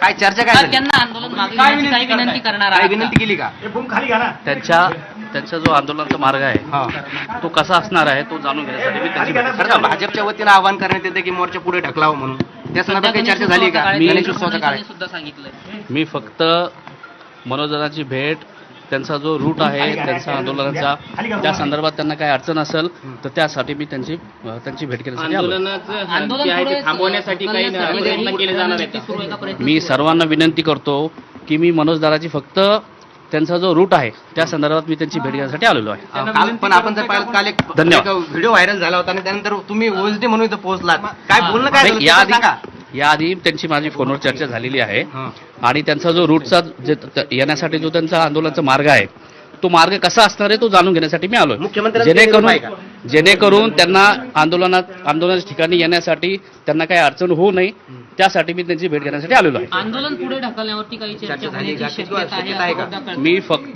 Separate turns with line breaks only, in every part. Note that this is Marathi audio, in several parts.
काय चर्चा काय झाली?
त्यांना आंदोलन मागे घेण्याची काही विनंती करणार
काय
आहात का?
विनंती केली का?
त्यांचा जो आंदोलनाचा मार्ग आहे तो कसा असणार आहे तो जाणून घेण्यासाठी मी त्यांची भेट
बरं का, भाजपच्या वतीनं आवाहन करण्यात येते की मोर्चा पुढे ढकलावं म्हणून, त्या संदर्भात काही चर्चा झाली का? गणेशोत्सवाचा काळ आहे.
सुद्धा सांगितलंय.
मी फक्त मनोजदाची भेट, त्यांचा जो रूट आहे त्यांचा आंदोलनाचा, त्या संदर्भात त्यांना काही अडचण असेल तर त्यासाठी मी त्यांची भेट घेण्यासाठी आलो.
आंदोलन थांबवण्यासाठी काही प्रयत्न केले जाणार आहेत.
मी सर्वांना विनंती करतो की मी मनोजदाराची फक्त त्यांचा जो रूट आहे त्या संदर्भात मी त्यांची भेट घेण्यासाठी आलेलो आहे.
काल पण आपण जर पाहिलं, काल एक
धन्यवाद.
व्हिडिओ व्हायरल झाला होता आणि त्यानंतर तुम्ही ओएसडी म्हणून इथं पोहोचलात, काय बोलणं काय झालं ते सांगा.
याआधी त्यांची माझी फोनवर चर्चा झालेली आहे आणि त्यांचा जो रूटचा येण्यासाठी जो त्यांचा आंदोलनाचा मार्ग आहे तो मार्ग कसा असणार आहे तो जाणून घेण्यासाठी मी आलोय. जेणेकरून त्यांना आंदोलनाच्या ठिकाणी येण्यासाठी त्यांना काही अडचण होऊ नये त्यासाठी मी त्यांची भेट घेण्यासाठी आलेलो आहे.
आंदोलन पुढे ढकलण्यावरती काही चर्चा होण्याची शक्यता आहे का?
मी फक्त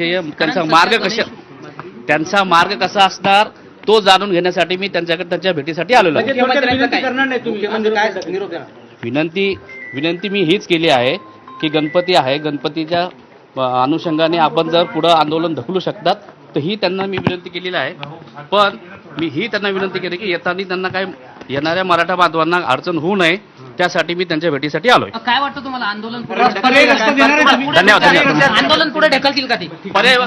त्यांचा मार्ग कसा असणार तो जाणून घेण्यासाठी मी त्यांच्या भेटीसाठी आलेलो आहे. विनंती मी हीच केली आहे की गणपती आहे, गणपतीच्या अनुषंगाने आपण जर पुढं आंदोलन ढकलू शकतात तर ही त्यांना मी विनंती केलेली आहे. पण मी ही त्यांना विनंती केली की येताना त्यांना काय येणाऱ्या मराठा बांधवांना अडचण होऊ नये त्यासाठी मी त्यांच्या भेटीसाठी आलोय.
काय वाटतं तुम्हाला आंदोलन
धन्यवाद.
आंदोलन पुढे ढकलतील का ते?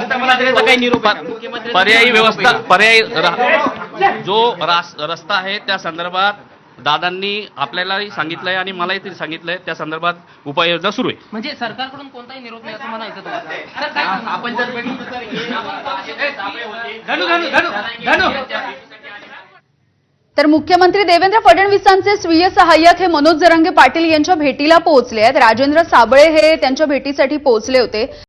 जो रस्ता आहे त्या संदर्भात दादांनी आपल्यालाही सांगितलंय आणि मलाही ते सांगितलंय, त्या संदर्भात उपाययोजना सुरू आहे.
म्हणजे सरकारकडून कोणताही निरोप नाही असं म्हणायचं तुम्हाला? आपण
तर मुख्यमंत्री देवेंद्र फडणवीसांचे स्वीय सहाय्यक हे मनोज जरांगे पाटील यांच्या भेटीला पोहोचले आहेत. राजेंद्र साबळे हे त्यांच्या भेटीसाठी पोहोचले होते.